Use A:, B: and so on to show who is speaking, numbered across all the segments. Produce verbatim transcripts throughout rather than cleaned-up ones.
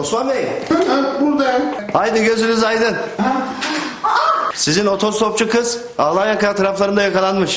A: Osman Bey.
B: Ha, buradayım.
A: Haydi gözünüz aydın. Sizin otostopçu kız Ağlayanka taraflarında yakalanmış.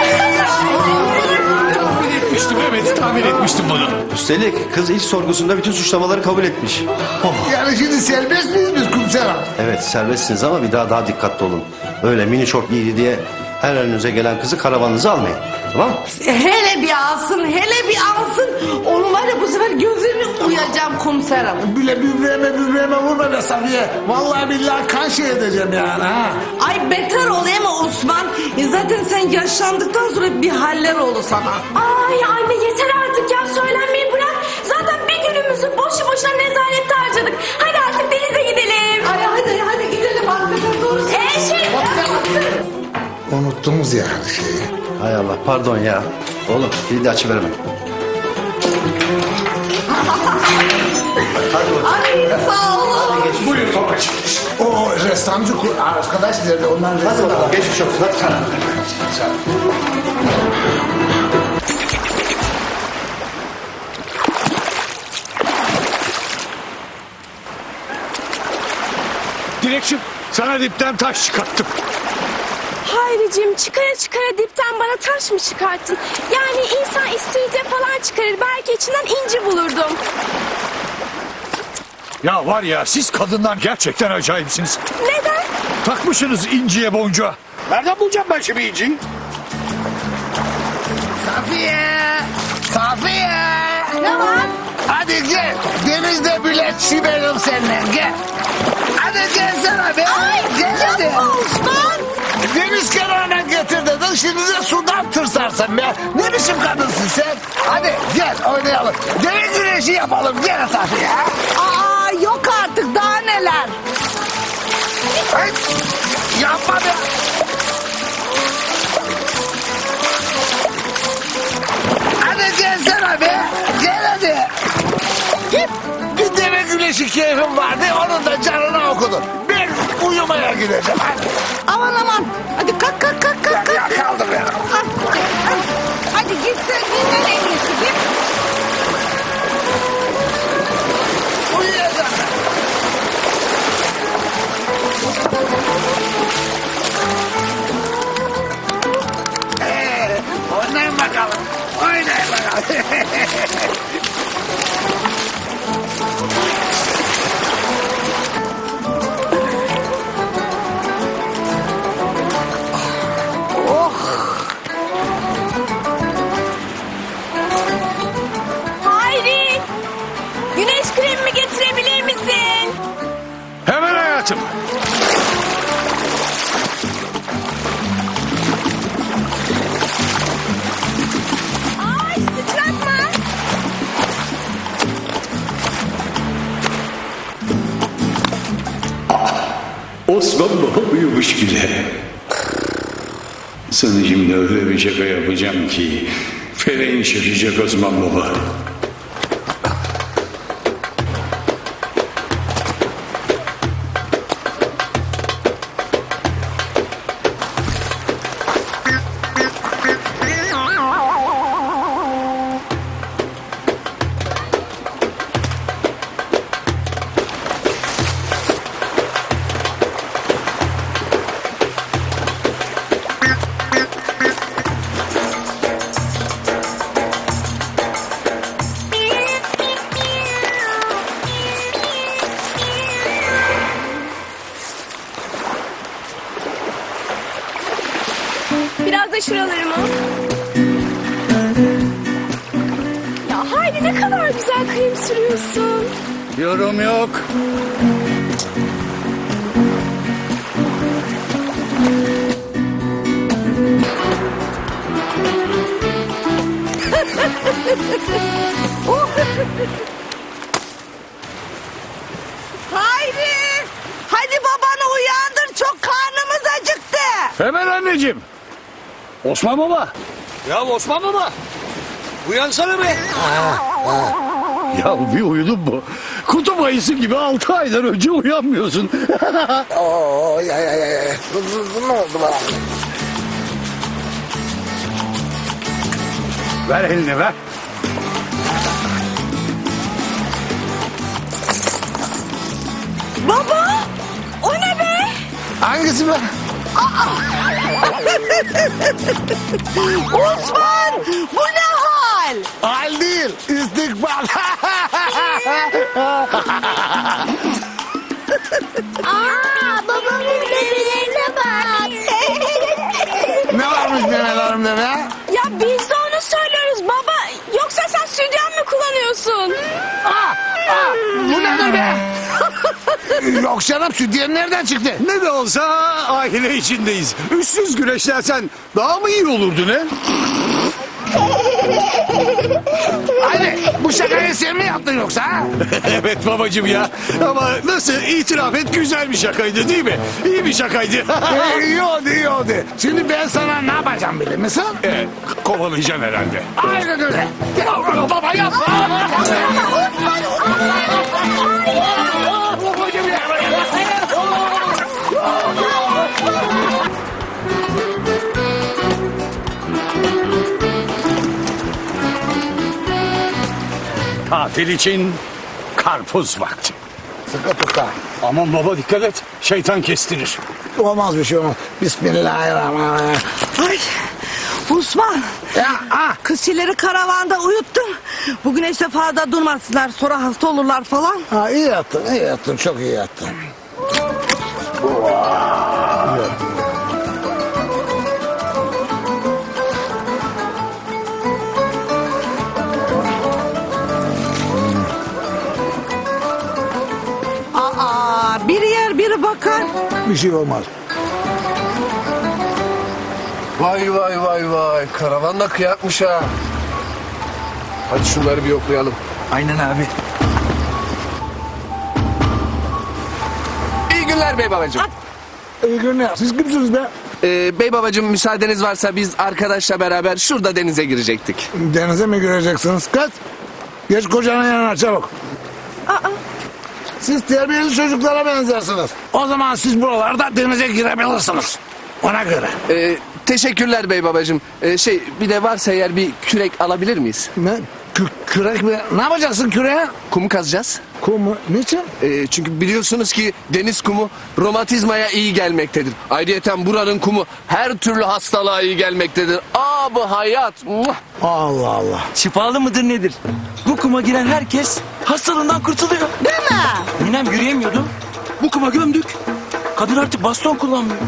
C: Tahmin etmiştim, evet tahmin etmiştim bunu.
A: Üstelik kız ilk sorgusunda bütün suçlamaları kabul etmiş.
B: Yani şimdi serbest miyiz biz komiserim?
A: Evet serbestsiniz ama bir daha daha dikkatli olun. Öyle mini şort giydi diye her önünüze gelen kızı karavanınıza almayın. Tamam mı?
D: Hele bir alsın, hele bir alsın. Onu var ya bu sefer gözünü uyacağım komiser hanım.
B: Bile böbreğime böbreğime vurma be Safiye. Vallahi billahi kan şey edeceğim yani ha.
D: Ay beter olayım mı Osman? E zaten sen yaşlandıktan sonra bir haller olur sana.
E: Ay anne yeter artık ya, söylenmeyi bırak. Zaten bir günümüzü boşu boşuna nezarette harcadık. Hadi artık denize gidelim.
D: Ay hadi hadi gidelim arkadaşlar doğru.
E: Ee şey...
B: Unuttunuz yani şeyi.
A: Hay Allah pardon ya. Oğlum kilidi açıverme. Hadi bakalım.
D: Ay sağ olun.
A: Hadi geç.
C: Buyur babacığım.
B: O ressamcı ku- arkadaş nerede? Ondan
A: Hadi
B: resim
A: bakalım
B: alalım.
A: geçmiş olsun. Hadi sana.
C: Dilekçim, sana dipten taş çıkarttım.
E: Hayricim, çıkara çıkara dipten bana taş mı çıkarttın? Yani insan isteyince falan çıkarır. Belki içinden inci bulurdum.
C: Ya var ya, siz kadınlar gerçekten acayipsiniz.
E: Neden?
C: Takmışsınız inciye boncuğa. Nereden bulacağım ben şimdi inciyi?
B: Safiye! Safiye!
D: Ne var?
B: Hadi gel. Denizde bilet çiverim seninle. Gel. Hadi gelsene be.
D: Ay
B: gel hadi.
D: yapma Osman.
B: Deniz kenarına getir dedin. Şimdi de sudan tırsarsın be. Ne biçim kadınsın sen? Hadi gel oynayalım. Deniz güreşi yapalım. Gel Safiye.
D: Aa yok artık daha neler.
B: Ay, yapma be. Hadi gelsene be. Gel hadi. Git. Bir deve güneşi keyfim vardı. Onun da canına okudun. Ben uyumaya gideceğim. Hadi.
D: Aman aman. Hadi kalk kalk kalk kalk. kalk.
B: Ya kaldım ya.
D: Hadi, hadi git sen dinlen en iyisi git.
B: Uyuyacağım. Ee, oynayın bakalım. Oynayın bakalım.
E: Hayri! Güneş kremimi getirebilir misin?
C: Hemen hayatım.
E: Ay sıçratma.
F: Osman Baba uyumuş bile. Sana şimdi öyle bir şaka yapacağım ki feleğin şaşacak Osman Baba.
E: Biraz da şuralarımı. Ya Hayri ne kadar güzel krem sürüyorsun.
C: Yorum yok.
D: Hayri. Hadi babanı uyandır çok karnımız acıktı.
C: Hemen anneciğim. Osman Baba. Ya Osman Baba. Uyansana be. Ya bir uyudun mu? Kutup ayısı gibi altı aydan önce uyanmıyorsun.
B: Oo, ya ya ya ya. Ne oldu bana?
C: Ver elini ver.
D: Baba o ne be?
B: Hangisi be?
D: Osman bu ne hal?
B: Hal değil, istikbal.
E: Aa, babamın memelerine bak.
B: Ne varmış memelerimde be?
E: Ya biz de onu söylüyoruz baba. Yoksa sen sütyen mi kullanıyorsun?
B: Aa, aa, bu nedir be? Yok canım, sütyen nereden çıktı?
C: Ne de olsa aile içindeyiz. Üstsüz güreşlersen daha mı iyi olurdu ne?
B: Hadi bu şakayı sen mi yaptın yoksa? Ha?
C: Evet babacığım ya. Ama nasıl itiraf et, güzel bir şakaydı değil mi? İyi bir şakaydı.
B: Ee, iyi oldu, iyi oldu. Şimdi ben sana ne yapacağım bilir misin?
C: Evet, kovalayacaksın herhalde.
B: Aynen öyle. Ya, baba yapma.
C: Tatil için karpuz vakti.
B: Sıkı tutar.
C: Aman baba dikkat et, şeytan kestirir.
B: Olmaz bir şey olmaz. Bismillahirrahmanirrahim.
D: Ay Osman.
B: Ya, ah.
D: Kızçileri karavanda uyuttum. Bugün işte fazla durmasınlar. Sonra hasta olurlar falan.
B: Ha, iyi yaptın, iyi yaptın. Çok iyi yaptın.
D: Aa, biri yer biri bakar.
B: Bir şey olmaz.
G: Vay vay vay vay. Karavan da kıyakmış ha. Hadi şunları bir yoklayalım.
H: Aynen abi.
G: İyi günler bey babacığım.
B: İyi günler. Siz kimsiniz be?
G: Ee, bey babacığım müsaadeniz varsa biz arkadaşla beraber şurada denize girecektik.
B: Denize mi göreceksiniz? Kız. Geç kocanın yanına çabuk. Siz terbiyeli çocuklara benzersiniz. O zaman siz buralarda denize girebilirsiniz. Ona göre.
G: Ee, teşekkürler bey babacığım. Ee, şey bir de varsa eğer bir kürek alabilir miyiz?
B: Ne? Kü- kürek mi? Ne yapacaksın küreğe?
G: Kumu kazacağız.
B: Kum mu? Niçin?
G: Ee, çünkü biliyorsunuz ki deniz kumu romatizmaya iyi gelmektedir. Ayrıyeten buranın kumu her türlü hastalığa iyi gelmektedir. Aa bu hayat. Muah!
B: Allah Allah.
H: Şifalı mıdır nedir? Bu kuma giren herkes hastalığından kurtuluyor.
D: Değil mi?
H: Ninem yürüyemiyordu. Bu kuma gömdük. Kadın artık baston kullanmıyor.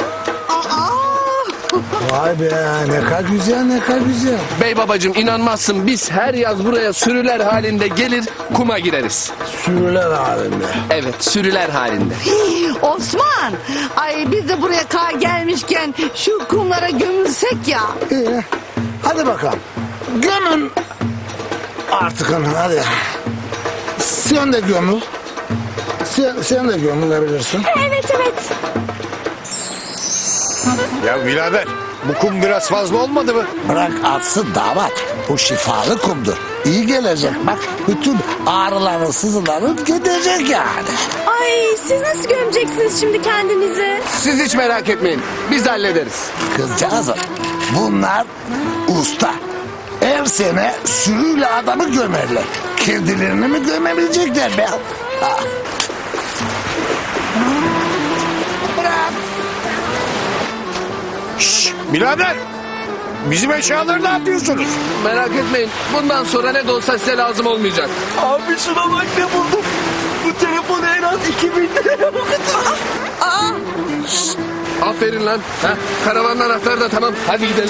B: Vay be, ne kadar güzel, ne kadar güzel.
G: Bey babacığım inanmazsın biz her yaz buraya sürüler halinde gelir kuma gireriz.
B: Sürüler halinde.
G: Evet sürüler halinde.
D: Osman. Ay biz de buraya kar gelmişken şu kumlara gömülsek ya.
B: İyi. Hadi bakalım. Gömün. Artık hanım hadi. Sen de gömül. Sen, sen de gömülebilirsin.
E: Evet evet.
C: Ya birader, bu kum biraz fazla olmadı mı?
B: Bırak atsın damat. Bu şifalı kumdur. İyi gelecek bak. Bütün ağrıların, sızıların gidecek yani.
E: Ay siz nasıl gömeceksiniz şimdi kendinizi?
G: Siz hiç merak etmeyin biz hallederiz.
B: Kızcağızım bunlar usta. Her sene sürüyle adamı gömerler. Kendilerini mi gömebilecekler be? Ha. Bırak.
C: Şşş, birader, bizim eşyaları ne yapıyorsunuz?
G: Merak etmeyin bundan sonra ne de olsa size lazım olmayacak.
H: Abi şuna bak ne buldum. Bu telefonu en az iki bin liraya
G: Aferin lan. Heh, karavanın anahtarı da tamam hadi gidelim.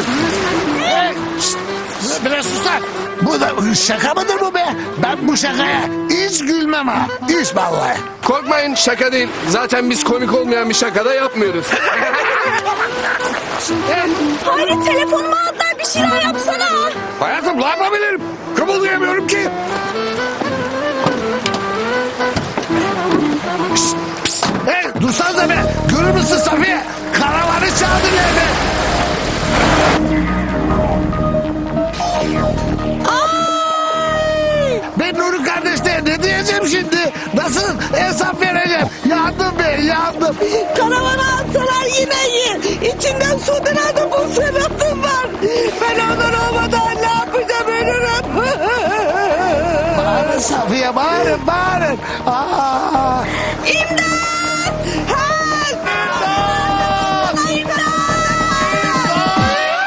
B: Biraz susar. Bu da şaka mıdır bu be? Ben bu şakaya hiç gülmem ha. Hiç vallahi.
G: Korkmayın şaka değil. Zaten biz komik olmayan bir şaka da yapmıyoruz.
E: Hayır telefonumu aldılar bir şeyler yapsana.
C: Hayatım ne yapabilirim? Kımıldayamıyorum ki.
B: Hey dursanıza be. Görür müsün Safiye? Karavanı çağırdı nerede? Ben Nuri kardeşler ne diyeceğim şimdi? Nasıl hesap vereceğim? Yandım be yandım.
D: Karavanı alsalar yine yer. İçinden su denen bu sebepim var. Ben onlar olmadan ne yapacağım ölürüm.
B: Bağırın Safiye bağırın bağırın. Aa.
D: İmdat!